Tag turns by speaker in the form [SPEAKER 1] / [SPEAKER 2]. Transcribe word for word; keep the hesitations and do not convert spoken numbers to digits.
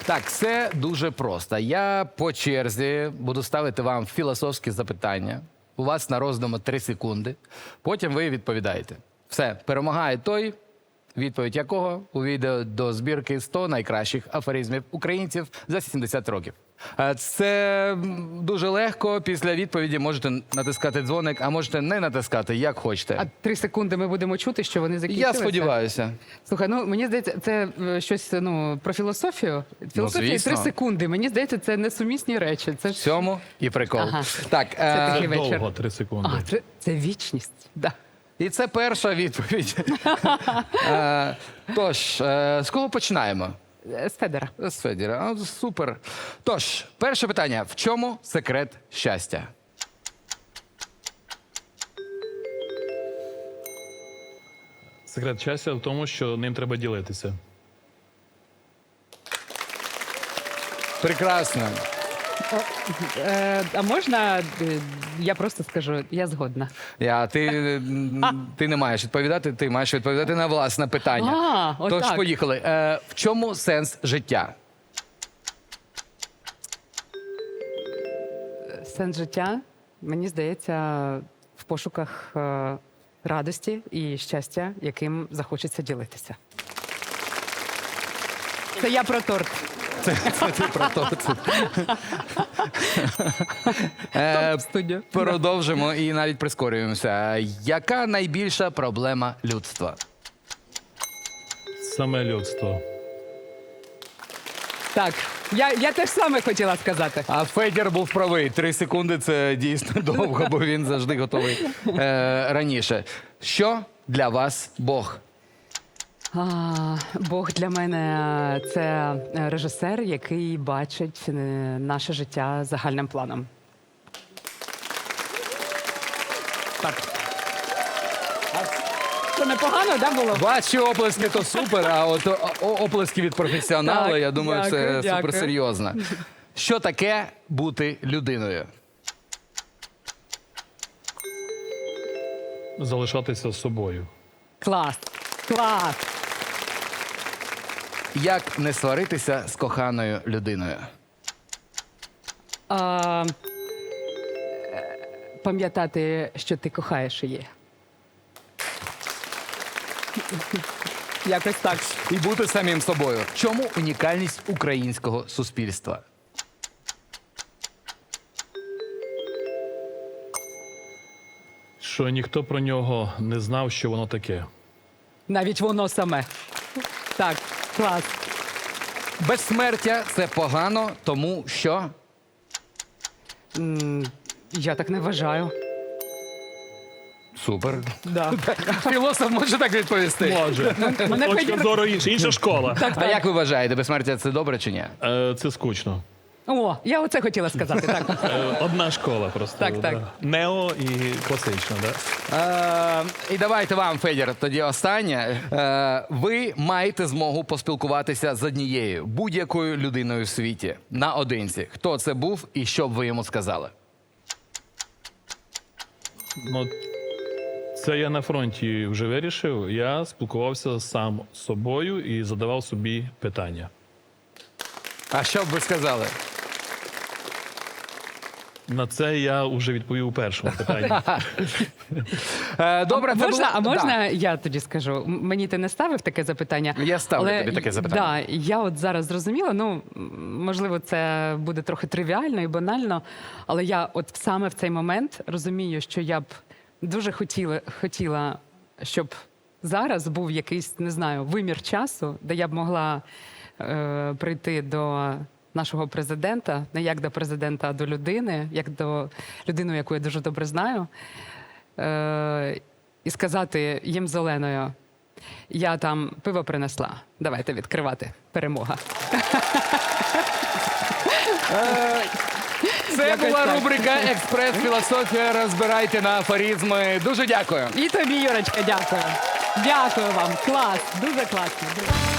[SPEAKER 1] Так, все дуже просто. Я по черзі буду ставити вам філософські запитання. У вас на роздуму три секунди. Потім ви відповідаєте. Все, перемагає той, відповідь якого увійде до збірки сто найкращих афоризмів українців за сімдесят років. Е, Це дуже легко. Після відповіді можете натискати дзвоник, а можете не натискати, як хочете.
[SPEAKER 2] А три секунди ми будемо чути, що вони закінчилися?
[SPEAKER 1] Я сподіваюся.
[SPEAKER 2] Слухай, ну мені здається, це е, щось ну, про філософію. Філософія і
[SPEAKER 1] звісно.
[SPEAKER 2] три секунди. Мені здається, це несумісні речі. Це
[SPEAKER 1] В
[SPEAKER 2] ж...
[SPEAKER 1] цьому і прикол.
[SPEAKER 2] Ага.
[SPEAKER 1] Так,
[SPEAKER 2] Це
[SPEAKER 1] е,
[SPEAKER 2] такий вечір.
[SPEAKER 3] Довго, три секунди.
[SPEAKER 2] А, це, це вічність. Да.
[SPEAKER 1] і це перша відповідь. Е, Тож, е, з кого починаємо?
[SPEAKER 2] З Федера.
[SPEAKER 1] З Федіра. А, супер. Тож, перше питання. В чому секрет щастя?
[SPEAKER 3] Секрет щастя в тому, що ним треба ділитися.
[SPEAKER 1] Прекрасно.
[SPEAKER 2] Е, а можна, е, я просто скажу, я згодна.
[SPEAKER 1] Я, ти, м, ти не маєш відповідати, ти маєш відповідати на власне питання.
[SPEAKER 2] А, отак.
[SPEAKER 1] Тож, поїхали. Е, в чому сенс життя?
[SPEAKER 2] Сенс життя, мені здається, в пошуках е, радості і щастя, яким захочеться ділитися. Це я про торт.
[SPEAKER 1] Це ти про то. Це. Е,
[SPEAKER 2] Студія.
[SPEAKER 1] Продовжимо і навіть прискорюємося. Яка найбільша проблема людства?
[SPEAKER 3] Саме людство.
[SPEAKER 2] Так, я, я теж саме хотіла сказати.
[SPEAKER 1] А Федір був правий. Три секунди – це дійсно довго, бо він завжди готовий е, раніше. Що для вас Бог?
[SPEAKER 2] А, Бог для мене – це режисер, який бачить е, наше життя загальним планом. Так. Це непогано, да, було?
[SPEAKER 1] Ваші оплески – то супер, а от о- о- оплески від професіонала,
[SPEAKER 2] Так,
[SPEAKER 1] я думаю,
[SPEAKER 2] дякую,
[SPEAKER 1] це
[SPEAKER 2] дякую.
[SPEAKER 1] суперсерйозно. Що таке бути людиною?
[SPEAKER 3] Залишатися з собою.
[SPEAKER 2] Клас, клас.
[SPEAKER 1] Як не сваритися з коханою людиною?
[SPEAKER 2] А, е, пам'ятати, що ти кохаєш її. Якось так.
[SPEAKER 1] І бути самим собою. В чому унікальність українського суспільства?
[SPEAKER 3] Що ніхто про нього не знав, що воно таке.
[SPEAKER 2] Навіть воно саме. Так, клас.
[SPEAKER 1] Безсмертя – це погано, тому що...
[SPEAKER 2] М, Я так не вважаю.
[SPEAKER 1] Супер.
[SPEAKER 2] Да.
[SPEAKER 1] Філософ може так відповісти?
[SPEAKER 3] Може.
[SPEAKER 2] Мене
[SPEAKER 3] Точка
[SPEAKER 2] Федір-
[SPEAKER 3] зору інша. Інша школа.
[SPEAKER 1] А як ви вважаєте, безсмертя – це добре чи ні?
[SPEAKER 3] Е, Це скучно.
[SPEAKER 2] О, я оце хотіла сказати. Так.
[SPEAKER 3] Е, Одна школа просто.
[SPEAKER 2] Так, так.
[SPEAKER 3] да. Нео і класична, да?
[SPEAKER 1] Е, і давайте вам, Федір, тоді останнє. Е, ви маєте змогу поспілкуватися з однією будь-якою людиною в світі наодинці. Хто це був і що б ви йому сказали?
[SPEAKER 3] Ну, це я на фронті вже вирішив. Я спілкувався сам з собою і задавав собі питання.
[SPEAKER 1] А що б ви сказали?
[SPEAKER 3] На це я вже відповів у першому питанні.
[SPEAKER 1] Е, добре,
[SPEAKER 2] а
[SPEAKER 1] це
[SPEAKER 2] можна,
[SPEAKER 1] було-
[SPEAKER 2] а можна
[SPEAKER 1] Да.
[SPEAKER 2] я тоді скажу? М- Мені ти не ставив таке запитання?
[SPEAKER 1] Я ставлю
[SPEAKER 2] але,
[SPEAKER 1] тобі таке запитання.
[SPEAKER 2] Да, я от зараз зрозуміла, ну, м, можливо, це буде трохи тривіально і банально, але я от саме в цей момент розумію, що я б дуже хотіла, хотіла, щоб зараз був якийсь, не знаю, вимір часу, де я б могла е, прийти до нашого президента, не як до президента, а до людини, як до людини, яку я дуже добре знаю, е, і сказати їм зеленою: я там пиво принесла, давайте відкривати, перемога.
[SPEAKER 1] Це
[SPEAKER 2] Якось
[SPEAKER 1] була
[SPEAKER 2] так.
[SPEAKER 1] рубрика «Експрес-філософія». Розбирайте на афоризми. Дуже дякую.
[SPEAKER 2] І тобі, Юрочка, дякую. Дякую вам, клас, дуже класно. Дуже.